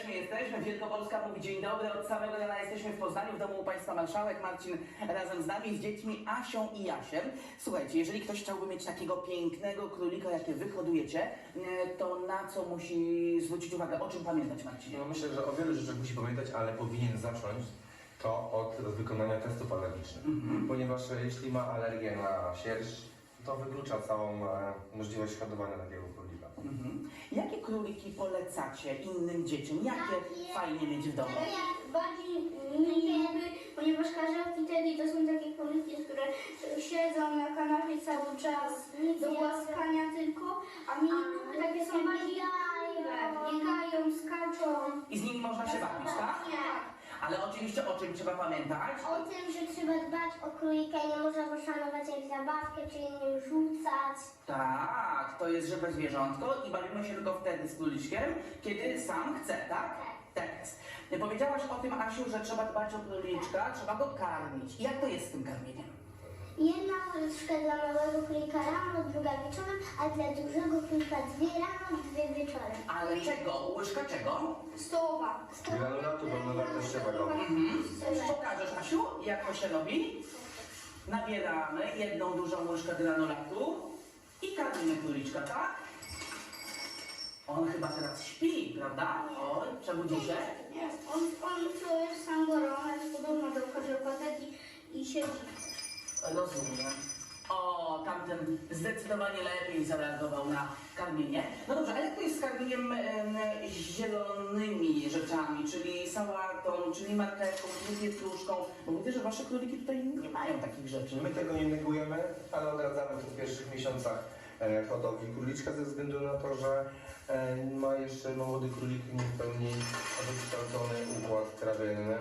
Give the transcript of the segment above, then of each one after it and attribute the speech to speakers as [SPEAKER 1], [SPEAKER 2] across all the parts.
[SPEAKER 1] Właśnie jesteśmy. Wielkopolska mówi dzień dobry. Od samego rana jesteśmy w Poznaniu, w domu u Państwa marszałek. Marcin razem z nami, z dziećmi Asią i Jasiem. Słuchajcie, jeżeli ktoś chciałby mieć takiego pięknego królika, jakie wy hodujecie, to na co musi zwrócić uwagę? O czym pamiętać, Marcinie?
[SPEAKER 2] No myślę, że o wielu rzeczach musi pamiętać, ale powinien zacząć to od wykonania testów alergicznych. Ponieważ jeśli ma alergię na sierść, to wyklucza całą możliwość hodowania takiego królika.
[SPEAKER 1] Jakie króliki polecacie innym dzieciom? Jakie fajnie mieć w domu?
[SPEAKER 3] Bardziej nie lubię, ponieważ karzełki Teddy to są takie króliki, które siedzą na kanapie cały czas do głaskania tylko, a mi takie są bardziej biegają, skaczą.
[SPEAKER 1] I z nimi można się bawić, tak?
[SPEAKER 3] Nie.
[SPEAKER 1] Ale oczywiście o czym trzeba pamiętać?
[SPEAKER 4] O tym, że trzeba dbać o królika i nie można go szanować jak zabawkę, czyli nim rzucać.
[SPEAKER 1] Tak, to jest żywe zwierzątko i bawimy się tylko wtedy z króliczkiem, kiedy sam chce, tak? Tak jest. Powiedziałaś o tym, Asiu, że trzeba dbać o króliczka, trzeba go karmić. I jak to jest z tym karmieniem?
[SPEAKER 4] Jedna łyżka dla małego królika rano, druga wieczorem, a dla dużego królika 2 rano, 2 wieczorem.
[SPEAKER 1] Ale czego? Łyżka czego?
[SPEAKER 3] Stołowa.
[SPEAKER 2] Granulatu pełnowartościowego.
[SPEAKER 1] Pokażesz, Asiu, jak to się robi? Nabieramy jedną dużą łyżkę granulatu i karmimy króliczka, tak? On chyba teraz śpi, prawda? Oj, przebudzi się.
[SPEAKER 3] Nie. On to jest sangorona, jest podobna do karzełka Teddy i siedzi.
[SPEAKER 1] Rozumiem. O, tamten zdecydowanie lepiej zareagował na karmienie. No dobrze, a jak to jest z karmieniem zielonymi rzeczami, czyli sałatą, czyli marchewką, czyli pietruszką? Bo widzę, że wasze króliki tutaj nie mają takich rzeczy.
[SPEAKER 2] My tego nie negujemy, ale odradzamy w pierwszych miesiącach hodowli króliczka ze względu na to, że ma jeszcze młody królik nie w pełni wykształcony układ trawienny.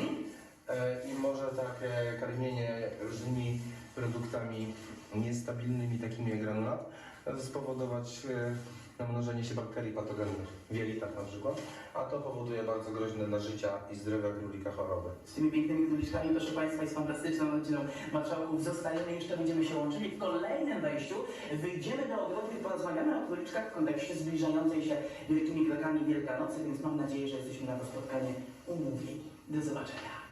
[SPEAKER 2] I może takie karmienie różnymi produktami niestabilnymi, takimi jak granulat, spowodować namnożenie się bakterii patogennych, w jelitach na przykład, a to powoduje bardzo groźne dla życia i zdrowia królika choroby.
[SPEAKER 1] Z tymi pięknymi króliczkami, proszę Państwa, i z fantastyczną rodziną marszałków zostajemy, jeszcze będziemy się łączyli. W kolejnym wejściu wyjdziemy do ogrodu i porozmawiamy o króliczkach w kontekście zbliżającej się wielkimi krokami Wielkanocy, więc mam nadzieję, że jesteśmy na to spotkanie umówieni. Do zobaczenia.